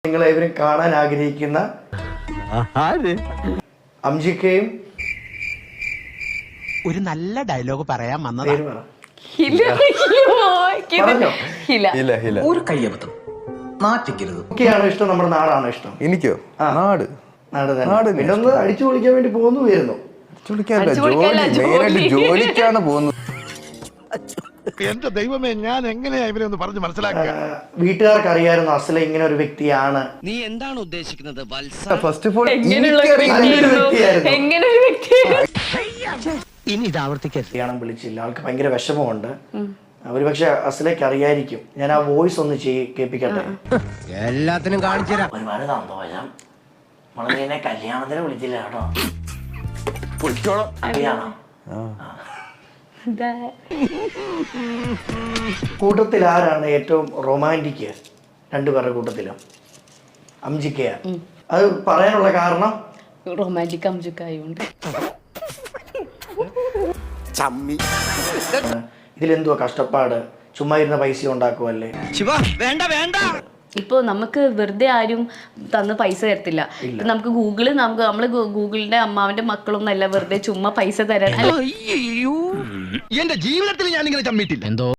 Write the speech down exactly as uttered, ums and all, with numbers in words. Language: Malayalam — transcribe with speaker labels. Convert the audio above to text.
Speaker 1: നിങ്ങളെവരും കാണാൻ ആഗ്രഹിക്കുന്ന അംജിക്കയും
Speaker 2: ഒരു നല്ല ഡയലോഗ് പറയാൻ വന്നതാ.
Speaker 1: പേര് പറ.
Speaker 3: ഒരു കയ്യബദ്ധം നാറ്റിക്കരുത്.
Speaker 1: ഒക്കെയാണോ ഇഷ്ടം, നമ്മുടെ നാടാണോ ഇഷ്ടം?
Speaker 4: എനിക്കോ? നാട്
Speaker 1: നാട് തന്നെ. പിന്നെ ഒന്ന് അടിച്ചു പൊളിക്കാൻ വേണ്ടി പോകുന്നു വരുന്നു.
Speaker 4: ജോലിക്കാണ് പോകുന്നത്.
Speaker 2: എന്റെ ദൈവമേ, ഞാൻ എങ്ങനെയാ ഇവരെ ഒന്ന് പറഞ്ഞു മനസ്സിലാക്കുക?
Speaker 1: വീട്ടുകാർക്ക് അറിയായിരുന്നു അസല ഇങ്ങനെ ഒരു വ്യക്തിയാണ്.
Speaker 5: നീ എന്താണ് ഉദ്ദേശിക്കുന്നത്?
Speaker 4: ഫസ്റ്റ് ഓഫ് ഓൾ
Speaker 2: ഇനി ഇത് ആവർത്തിക്കരുത്.
Speaker 1: കല്യാണം വിളിച്ചില്ല, ആൾക്ക് ഭയങ്കര വിഷമമുണ്ട്. ഒരു പക്ഷെ അസലേക്ക് അറിയായിരിക്കും. ഞാൻ ആ വോയിസ് ഒന്ന് ചെയ് കേൾപ്പിക്കട്ടെ.
Speaker 3: എല്ലാത്തിനും കാണിച്ചു തരാം.
Speaker 1: ഒരുപാട് സന്തോഷം, നമ്മളെ കല്യാണത്തിന് വിളിച്ചില്ല കേട്ടോ. അറിയാണോ? കൂട്ടത്തിൽ ആരാണ് ഏറ്റവും റൊമാൻറ്റിക്? രണ്ടുപേരുടെ കൂട്ടത്തിലും അംജിക്കയാ. അത് പറയാനുള്ള കാരണം
Speaker 6: റൊമാൻറ്റിക് അംജിക്കായോണ്ട്.
Speaker 1: ഇതിലെന്തുവാ കഷ്ടപ്പാട്? ചുമ്മാ ഇരുന്ന പൈസ ഉണ്ടാക്കുമല്ലേ?
Speaker 5: വേണ്ട വേണ്ട.
Speaker 6: ഇപ്പൊ നമുക്ക് വെറുതെ ആരും തന്ന് പൈസ തരത്തില്ല. ഇപ്പൊ നമുക്ക് ഗൂഗിള് നമുക്ക് നമ്മള് ഗൂഗിളിന്റെ അമ്മാവന്റെ മക്കളൊന്നും അല്ല വെറുതെ ചുമ്മാ പൈസ തരാൻ.
Speaker 2: എന്റെ ജീവിതത്തിൽ ഞാൻ ഇങ്ങനെ ചമ്മിട്ടില്ല. എന്തോ